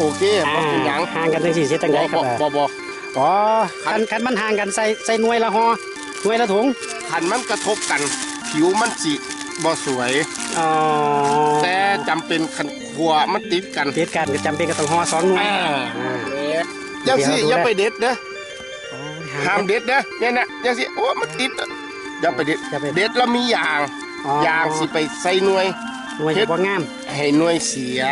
โอเคบ่เป็นหยังห่างกันจังสี่เสียจังไดครับบ่อ๋อคันมันห่างกันใส่หน่วยละห่อหน่วยละถุงคันมันกระทบกันผิวมันสิบ่สวยอ๋อแต่จำเป็นคันขัวมันติดกันก็จำเป็นก็ต้องห่อ2หน่วยยังสิอย่าไปเด็ดเด้อห้ามเด็ดเด้อเนี่ยนะยังสิโอ้มันติดอย่าไปเด็ดแล้วมียางสิไปใส่หน่วยจะบ่งามให้หน่วยเสีย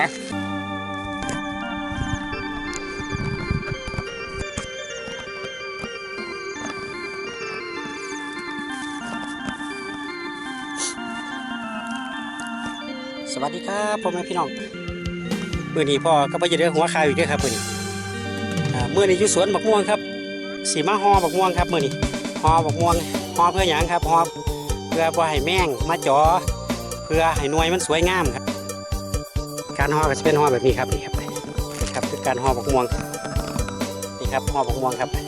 สวัสดีครับพ่อแม่พี่น้องมื้อนี้พ่อก็ไปจะได้หัวคายอีกด้วยครับมื้อนี้อยู่สวนบักม่วงครับสีมาห่อบักม่วงครับมื้อนี้ห่อบักม่วงห่อเพื่อหยังครับห่อเพื่อบ่ให้แมงมาจ่อเพื่อให้หน่วยมันสวยงามครับการห่อก็จะเป็นห่อแบบนี้ครับนี่ครับคือการห่อบักม่วงนี่ครับห่อบักม่วงครับ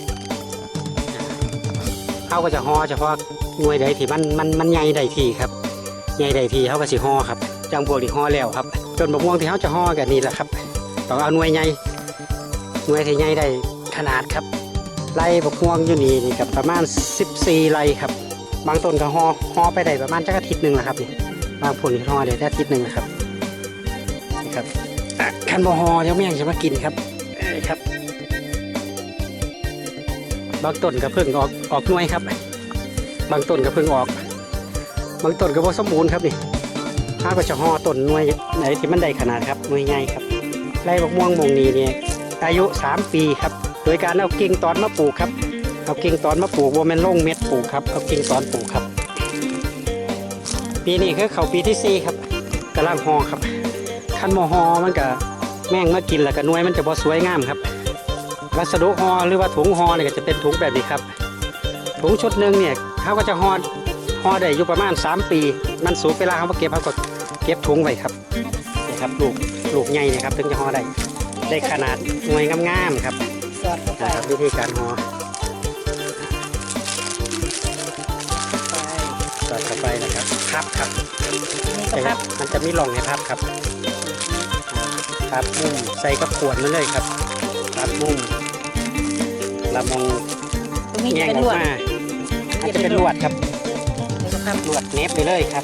เขาก็จะห่อเฉพาะหน่วยใดที่มันใหญ่ใดที่ครับใหญ่ใดที่เขาก็สิห่อครับจังพวกที่ห่อแล้วครับจนบักม่วงที่เขาจะห่อกันนี่แหละครับต้องเอาหน่วยใหญ่ที่ใหญ่ได้ขนาดครับไร่บักม่วงอยู่นี่กับประมาณ14ไร่ครับบางต้นก็ห่อไปได้ประมาณจักอาทิตย์นึงแหละครับนี่บางผลห่อได้อาทิตย์นึงนะครับนี่ครับคันบ่ห่อเดี๋ยวแมงจะมากินครับครับบางต้นก็เพิ่งออกหน่วยครับบางต้นก็เพิ่งออกบางต้นก็บ่สมบูรณ์ครับนี่ถ้าก็จะห่อต้นหน่วยไหนที่มันได้ขนาดครับหน่วยใหญ่ครับไร่บักม่วงมงนี้เนี่ยอายุ3 ปีครับโดยการเอากิ่งตอนมาปลูกครับเอากิ่งตอนมาปลูกว่ามันลงเม็ดปลูกครับเอากิ่งตอนปลูกครับปีนี้คือเขาปีที่4ครับกำลังห่อครับคันบ่ห่อมันก็แม่งมากินแล้วก็หน่วยมันจะบ่สวยงามครับวัสดุห่อหรือว่าถุงห่อเนี่ยก็จะเป็นถุงแบบนี้ครับถุงชุดหนึ่งเนี่ยเขาก็จะห่อได้อยู่ประมาณ3 ปีมันสูงเวลาเขาเก็บเขาก็เก็บถุงไว้ครับนี่ครับลูกใหญ่นะครับถึงจะห่อได้ขนาดหน่วยงามๆครับนะครับวิธีการห่อสอดเข้าไปนะครับพับครับมันจะมีร่องให้พับครับพับมุมใส่กระขวดมาเลยครับพับมุมละมงแง่งออกมาอาจจะเป็นลวดครับลวดเน็บไปเลยครับ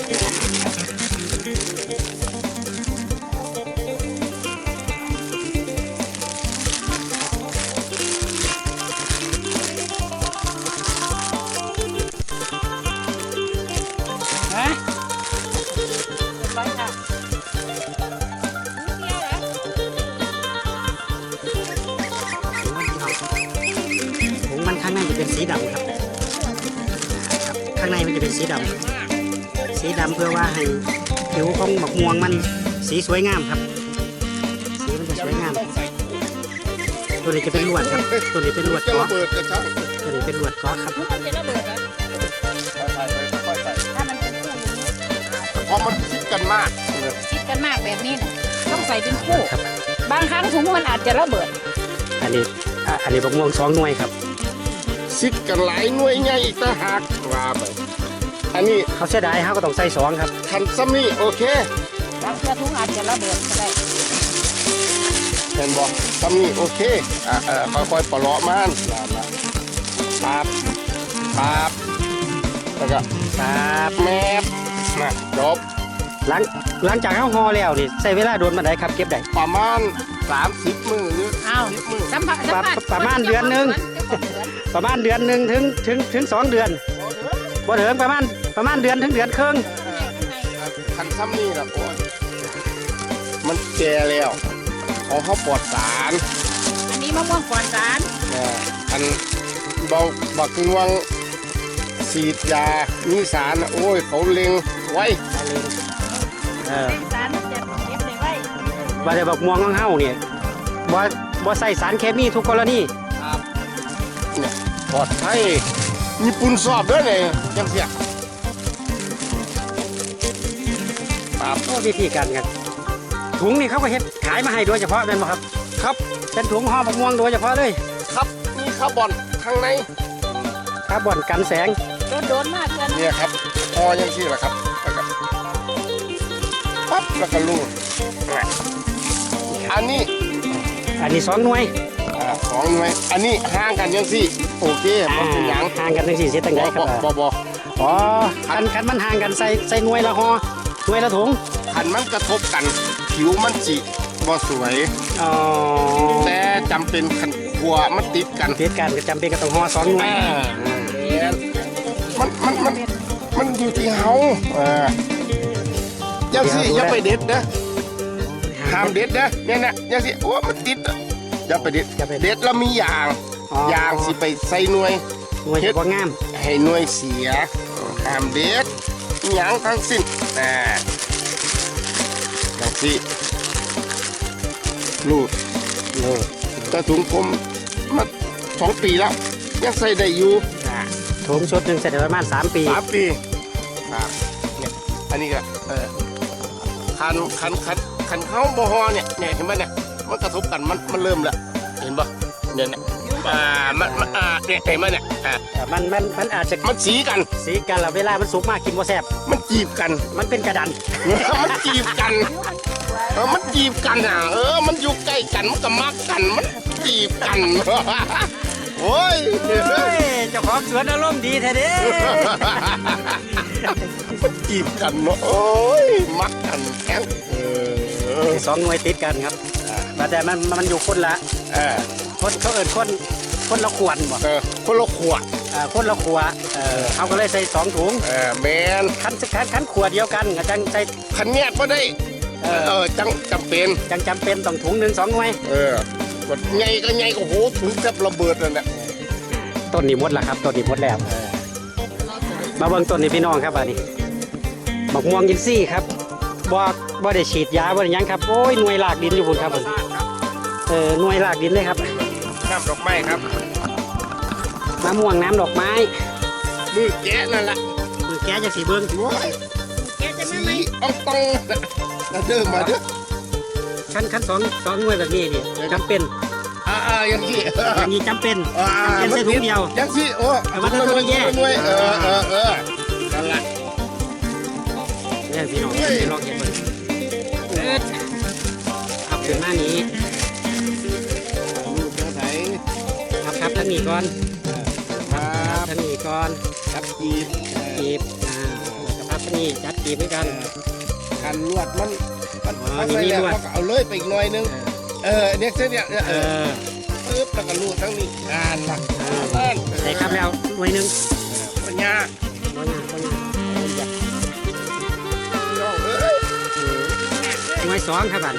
ข้างในจะเป็นสีดำครับข้างในมันจะเป็นสีดำเพื่อว่าให้ผิวของบักม่วงมันสีสวยงามครับสีมันจะสวยงามตัวนี้จะเป็นลวดครับตัวนี้เป็นลวดก๊อกตัวนี้เป็นลวดก๊อกครับเพราะมันชิดกันมากแบบนี้นะต้องใส่เป็นคู่บางครั้งถุงมันอาจจะระเบิดอันนี้บักม่วง2 หน่วยครับซิดกันหลายหน่วยใหญ่อีกต่างหากว่าไปอันนี้เขาเสียดายเขาก็ต้องใส่2ครับคันซ้ำนี่โอเคบางถุงอาจจะระเบิดก็ได้เห็นบอกซ้ำนี่โอเคค่อยๆปลอกมันปั๊บแล้วก็แมบนะจบหลังจากเขาห่อแล้วนี่ใช้เวลาโดนมาได้ครับเก็บได้ประมาณ30 มื้อหรือ 10 มื้อประมาณเดือนนึงถึง2 เดือนบ่ถึงประมาณเดือนถึงเดือนครึ่งคันซ้ำนี่ล่ะโอ้ยมันแก่แล้วเขาปลอดสารอันนี้มะม่วงปลอดสารอันบักม่วงฉีดยามีสารโอ้ยเขาเล็งไว้สารจะเก็บได้ไว้ว่าแต่บักม่วงของเฮาเนี่ยบ่ใส่สารเคมีทุกกรณีเนี่ยปลอดภัยมีปุ่นสอบด้วยเลยจังเสียวิธีการกันถุงนี่เขาก็เฮ็ดขายมาให้โดยเฉพาะเป็นบ่ครับครับเป็นถุงห่อบักม่วงโดยเฉพาะเลยครับมีคาร์บอนข้างในคาร์บอนกันแสงโดนมากเลยเนี่ยครับห่อยังที่แหละครับปั๊บแล้วก็ลูดอันนี้อันนี้2หน่วย 2 หน่วยอันนี้ห่างกันยังสิโอเคบ่เป็นหยังห่างกันจังซี่สิตั้งได้ครับบ่อ๋อคันมันห่างกันใส่หน่วยละห่อหน่วยละถุงคันมันกระทบกันผิวมันสิบ่สวยอ๋อแต่จำเป็นคันขัวมันติดกันเหตุการณ์ก็จำเป็นก็ต้องห่อ2หน่วยมันอยู่ที่เฮายังสิอย่าไปเด็ดนะห้ามเด็ดนะเนี่ยนะยังสิโอ้มันติดอย่าไปเด็ดเด็ดแล้วมียางสิไปใส่หน่วยหน่วยบ่งามให้หน่วยเสียห้ามเด็ดหยังทั้งสิ้นอย่างสิลูดแต่ถุงผมมา2 ปีแล้วยังใส่ได้อยู่ถุงชุดหนึงใส่ได้ประมาณ3 ปี 3 ปีครับเนี่ยอันนี้ก็คันเข้าบ่ฮอเนี่ยเห็นไหมเนี่ยมันกระทบกันมันเริ่มแล้วเห็นปะเนี่ยเนี่ยเนี่ยเห็นไหมเนี่ยมันอาจจะมันสีกันสีกันแล้วเวลามันสุกมากกินบ่แซ่บมันจีบกันมันเป็นกระดันมันจีบกันมันจีบกันมันอยู่ใกล้กันมันก็มักกันมันจีบกันโอ้ยเจ้าของสวนอารมณ์ดีแท้เด้มันจีบกันเนาะโอ้ยมักกันแข็ง 2หน่วยติดกันครับแต่มันอยู่คนละคนเขาเอิ้นคนละขวดบ่คนละขวดคนละขวดเขาก็เลยใส่2ถุงแมนคันขวดเดียวกันก็จังใส่คันแยกบ่ได้จังจำเป็นต้องถุง1 2หน่วยกดไงก็ไงก็โหถุงแทบระเบิดนั่นแหละต้นนี้หมดแล้วครับต้นนี้หมดแล้วมาเบิ่งต้นนี้พี่น้องครับอันนี้บักม่วงอินทรีย์ครับบ่ได้ฉีดยาบ่ได้หยังครับโอ้ยหน่วยรากดินอยู่พุ่นครับผมหน่วยรากดินเลยครับน้ำดอกไม้ครับมะม่วงน้ำดอกไม้มือแกะนั่นแหละมือแกะจะสีเบิ่งแกจะมาไหมต้องแล้วเดิมมาเด้อขั้นสองหน่วยแบบนี้นี่จำเป็นอย่างนี้จำเป็นใส่ถุงเดียวยังสิโอ้มันต้องแยกหน่วยนั่นแหละเนี่ยพี่น้องลองเห็นเบิ่งขับถึงหน้านี้ครับท่านนี้ก่อนท่านนี้ก่อนครับจีบครับท่านนี้จัดจีบเหมือนกันกันลวดมันใส่แล้วก็เอาเลยไปอีกหน่อยนึงเนี่ยเส้นเนี่ยปึ๊บแล้วก็ลูดทั้งนี้หลักใส่ครับแล้วหน่วยนึงปัญญาหน่วย2ครับบัด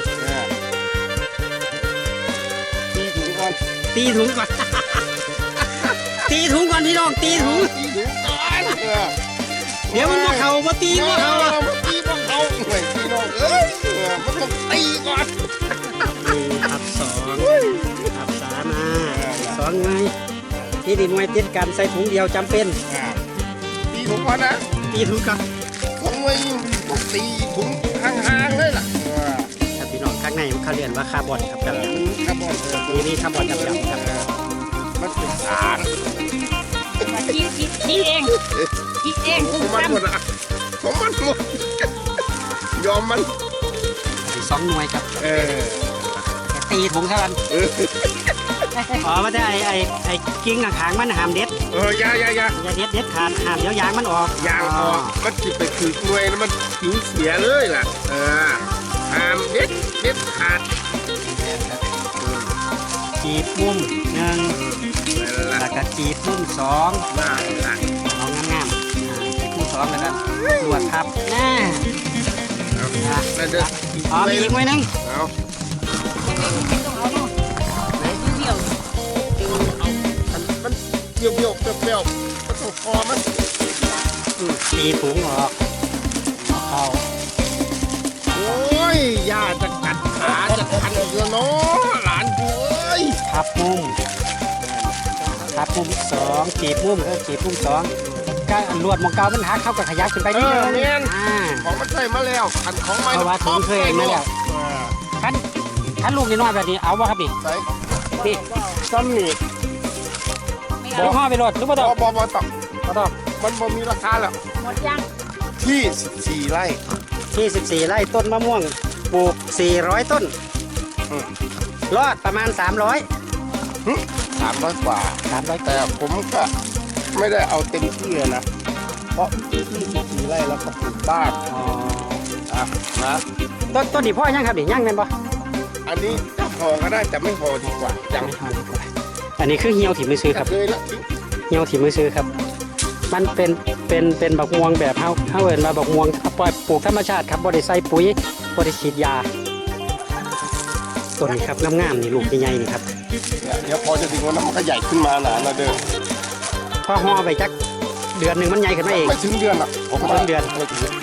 ตีถุงก่อนตีถุงก่อนพี่น้องตีถุงก่อนเดี๋ยวมันมาเข่ามาตีมาเข่าตีมาเข่าหน่วยพี่น้องมันต้องตีก่อนครับ2ครับ32หน่วยที่ดีหน่วยติดกันใส่ถุงเดียวจำเป็นตีถุงก่อนนะตีถุงก่อนถุงไว้ตีถุงห่างๆเลยล่ะพี่น้องข้างในเขาเรียกว่าคาร์บอนครับคาร์บอนนี่คาร์บอนดำๆครับมันเป็นสารคิดเองของมันหมดยอมมัน 2หน่วยครับตีถุงเท่ากันมันได้ไอ้กิ้งหางมันหามเด็ดอย่าเด็ดขาดหามเดี๋ยวยางมันออกยางออกมันจิไปถือหน่วยแล้วมันผิวเสียเลยล่ะหามเด็ดขาดจีบมุม1แล้วก็จีบมุม2เอางามจีบมุม2แล้วก็ลวดทับมีอีกหน่วยนึงมันเบี้ยวมันต้องคอมันตีถุงออกเข้าโอ้ยย่าจะกัดขาจะคันเยอะเนาะหลานกูเอ้ยทับมุม2จีบมุมจีบมุม2ก็ลวดมองเกามันหักเข้ากับขยับขึ้นไปนิดนึงของมันใส่มาแล้วขันของไม่เพราะว่าถุงเคยมาแล้วขันลูกน้อยแบบนี้เอาวะครับใส่พี่ซ้ำนี่บอกห่อไปรถหรือเปล่าต่อมันมีราคาแล้วหมดยังที่14 ไร่ที่14 ไร่ต้นมะม่วงปลูก400 ต้นรอดประมาณ300 300 กว่า 300 แต่ผมก็ไม่ได้เอาเต็มที่นะเพราะที่14 ไร่แล้วก็ปลูกบ้านอ๋ออ่ะนะต้นนี้พ่อยังครับนี่ยังแม่นบ่อันนี้จะห่อก็ได้แต่ไม่ห่อดีกว่ายังอันนี้คือเหี่ยวที่มือซื้อครับเลยละเหี่ยวที่มือซื้อครับ มันเป็นบักม่วงแบบเฮาเอิ้นว่าบักม่วงปล่อยปลูกธรรมชาติครับบ่ได้ใส่ปุ๋ยบ่ได้ฉีดยาต้นนี้ครับงามๆนี่ลูกใหญ่ๆนี่ครับเนี่ยเดี๋ยวพอจะถึงวันนั้นมันก็ใหญ่ขึ้นมาหนานะเด้อพอห่อไปจักเดือนหนึงมันใหญ่ขึ้นมาเองไม่ถึงเดือนอ่ะผมไม่ถึงเดือนไม่ถึง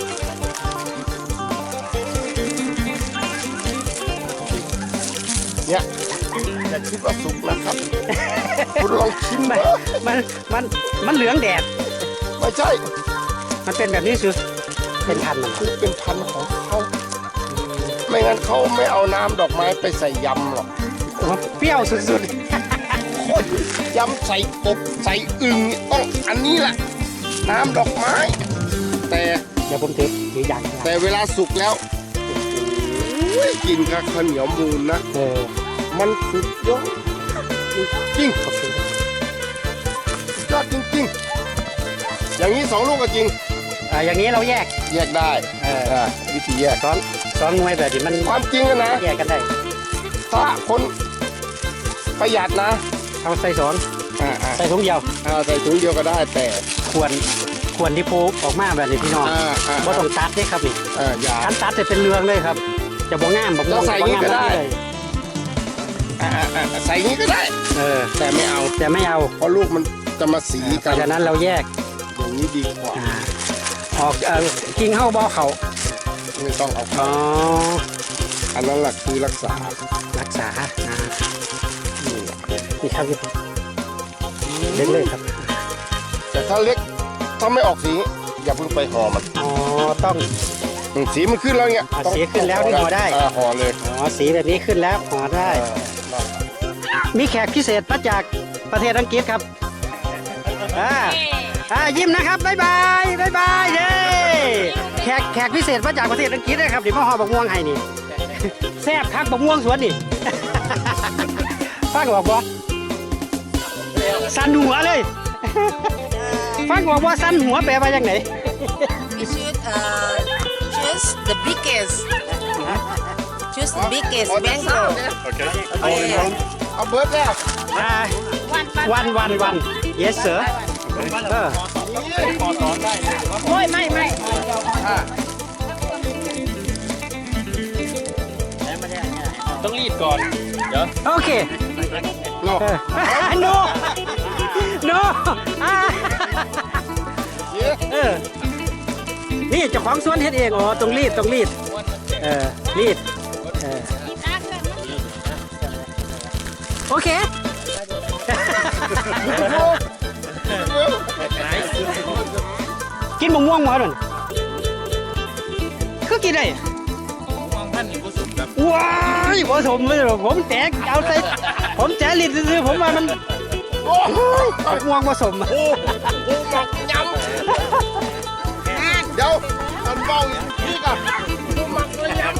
เนี่ยอย่าคิดว่าสุกนะครับคุณลองชิมมันนะมันเหลืองแดดไม่ใช่มันเป็นแบบนี้คือเป็นพันธุ์มันคือเป็นพันธุ์ของเขาไม่งั้นเขาไม่เอาน้ำดอกไม้ไปใส่ยำหรอกโอ้โหเปรี้ยวสุดคนยำใส่กบใส่อึ่งต้องอันนี้แหละน้ำดอกไม้ แต่ๆเดี๋ยวผมถืออย่างให้แต่เวลาสุกแล้วโอ้ยกินกับข้าวเหนียวมูนนะ มันสุดยอดจริงๆสุดยอดจริงๆอย่างนี้2 ลูกก็จริงอย่างนี้เราแยกแยกได้วิธีแยกซ้อนหน่วยแบบนี้มันความจริงอะนะแยกกันได้ถ้าคนประหยัดนะเอาใส่สอนอ่าใส่ถุงเดียวใส่ถุงเดียวก็ได้แต่ควรที่พูออกมาแบบนี้พี่น้องบ่ต้องตัดเด้ครับนี่อย่าการตัดจะเป็นเรืองเลยครับ จะบ่งามบ่เราใส่อย่างนี้ก็ได้เลยใส่อย่างนี้ก็ได้ แต่ไม่เอาแต่ไม่เอาเพราะลูกมันจะมาสีเพกันราะฉะนั้นเราแยกอย่างนี้ดีกว่าออกกิ่งเข้าบ่อเขาไม่ต้องเอาอ๋เข้าออันนั้นแหละคือรักษารักษานี่ครับเล็กเลยครับแต่ถ้าเล็กถ้าไม่ออกสีอย่าเพิ่งไปห่อมันอ๋อต้องสีมันขึ้นแล้วเนี่ยสีขึ้นแล้วนี่ห่อได้ห่อเลยอ๋อสีแบบนี้ขึ้นแล้วห่อได้ มีแขกพิเศษมาจากประเทศอังกฤษครับยิ้มนะครับบ๊ายบายบ๊ายบายเย้แขกพิเศษมาจากประเทศอังกฤษนะครับเดี๋ยวมาห่อบักม่วงให้นี่แซ่บคักบักม่วงสวนนี่ ฟังบอกบ่สันหัวเลย ฟังบอกว่าสันหัวแปลว่าอย่างไหน You should choose the biggest. Choose the biggest mango. เอาเบิร์ดแล้ววัน yes sir โอ้ยไม่ต้องรีดก่อนโอเคโล no no นี่เจ้าของสวนเฮ็ดเองอ๋อต้องรีดรีดโอเค กินมะม่วงหมดเลยคือกินได้ว้ายผสมเลยเหรอผมแจกเอาใส่ผมแจกลิตรซื้อผมว่ามันมะม่วงผสมหมักยำเดี๋ยวมันเบาอีกนี่ก่อนหมักเลยยำ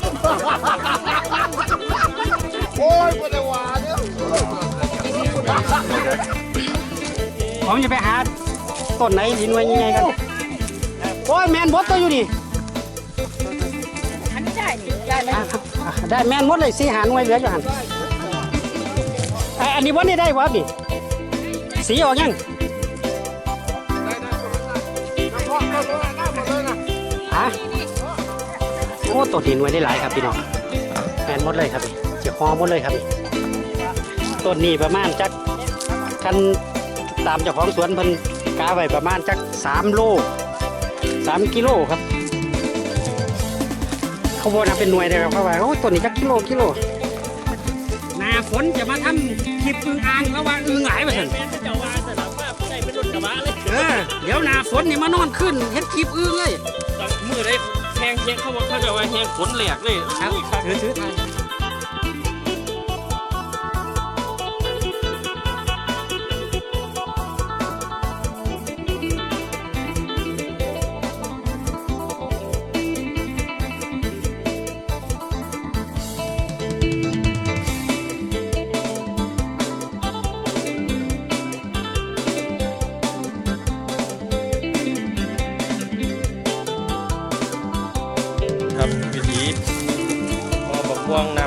โอ้ยปวดหัวเนี่ยผมจะไปหาต้นไหนที่หน่วยยังไงกันโอ้ยแมนบดตัวอยู่นี่อันนี้ได้นี่ได้ไหมได้แมนหมดเลยสีหาหน่วยเหลืออยู่หันอันนี้วันนี้ได้วะนี่สีออกยังโอ้ต้นหินหน่วยได้หลายครับพี่น้องแมนหมดเลยครับนี่เจียวคอหมดเลยครับนี่ต้นนี้ประมาณจักคันตามเจ้าของสวนเพิ่นกาไว้ประมาณจัก3 โล 3 กิโลครับเขาบอกนะเป็นหน่วยเลยครับเขาว่าโอ้ต้นนี้จักกิโลหน้าฝนจะมาทำคลิปอึ่งอ่างแล้วว่าอึ่งหลายไปเถอะเดี๋ยวหน้าฝนนี่มานอนขึ้นเฮ็ดคลิปอึ่งเลยมือได้แหงเช็คเขาบอกเขาจะว่าแหงฝนแหลกเลยครับถือไทย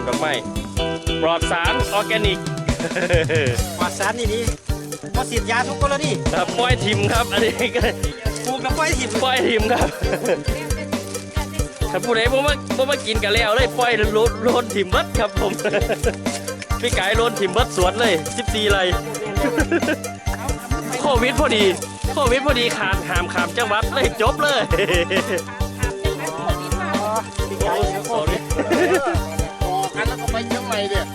ดอกไม้ปลอดสารออร์แกนิกปลอดสารนี่พอฉีดยาทุกกรณีครับปล่อยทิมครับ อันนี้ก็ปลูกแล้วปล่อยถิ่มปล่อยทิมครับ ถ้าผู้ใดบ่มากินกันแล้วเลยปล่อยโลนทิมเบิดครับผม พี่ไก่โลนทิมเบิดสวนเลย14ไร่ โควิดพอดีขาดหามขามจังหวัดเลยจบเลยพี่ไก่สอรี่ออกกันแล้วก็ไปเชียงใหม่เนี่ย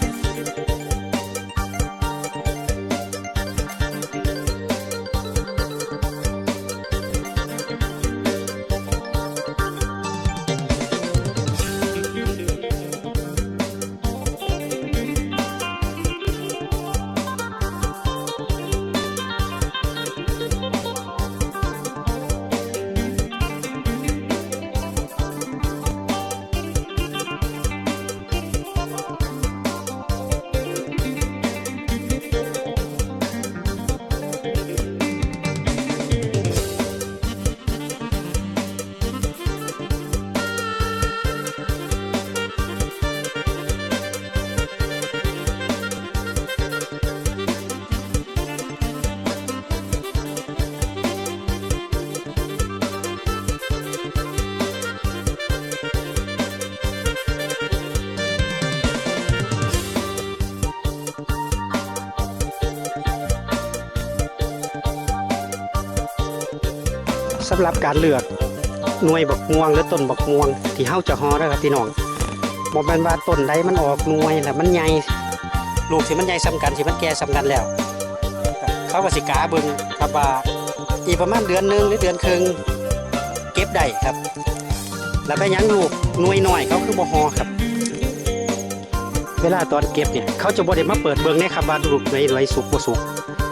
สำหรับการเลือกหน่วยบักม่วงหรือต้นบักม่วงที่เฮาจะฮอได้ครับพี่น้องบ่แม่นว่าต้นใดมันออกหน่วยแล้วมันใหญ่ลูกสิมันใหญ่ซ้ำกันสิมันแก่ซ้ำกันแล้ว เขาก็สิกาเบิ่งครับว่าอีกประมาณเดือนหนึงหรือเดือนครึ่งเก็บได้ครับ แล้วไปยังลูกหน่วยน้อยเขาคือบ่ฮอครับ เวลาตอนเก็บเนี่ยเขาจะบ่ได้มาเปิดเบิ่งในครับว่าลูกหน่วยสุกบ่สุก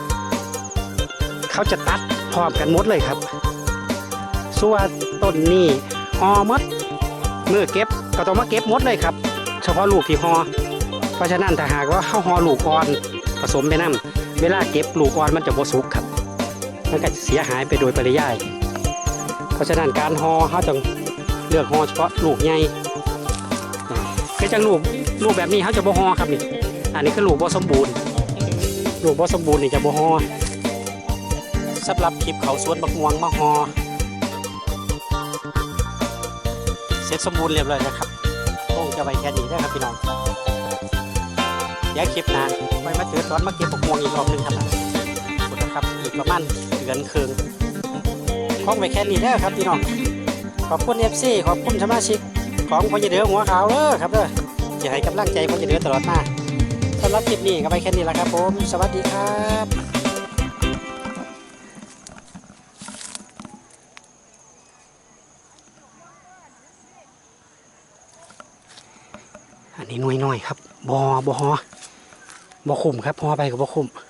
เขาจะตัดพร้อมกันหมดเลยครับส่วนต้นนี้ฮอหมดเมื่อเก็บก็ต้องมาเก็บหมดเลยครับเฉพาะลูกที่ฮอเพราะฉะนั้นถ้าหากว่าเข้าฮอลูกอ่อนผสมไปน้ำเวลาเก็บลูกอ่อนมันจะบ่สุกครับมันก็จะเสียหายไปโดยปริยายเพราะฉะนั้นการฮอเขาต้องเลือกฮอเฉพาะลูกใหญ่คือจังลูกแบบนี้เขาจะบ่ฮอครับนี่อันนี้คือลูกบ่สมบูรณ์ลูกบ่สมบูรณ์นี่จะบ่ฮอสำหรับคลิปเขาสวนบักม่วงมาฮอเสร็จสมบูรณ์เรียบร้อยแล้วครับต้องจะไปแค่นี้นะครับพี่น้องเดี๋ยวคลิปหน้าไปมาเจอตอนมาเก็บบักม่วงอีกรอบหนึงครับขอบคุณนะครับอีกประมาณเดือนครึ่งคงไปแค่นี้ได้ครับพี่น้องขอบคุณ FC ขอบคุณสมาชิกของพญเดือหัวขาวครับจะให้กำลังใจพญเดือตลอดมาสำหรับคลิปนี้ก็ไปแค่นี้แหละครับผมสวัสดีครับอันนี้หน่วยน้อยครับบ่คุ้มครับพอไปกับบ่คุ้ม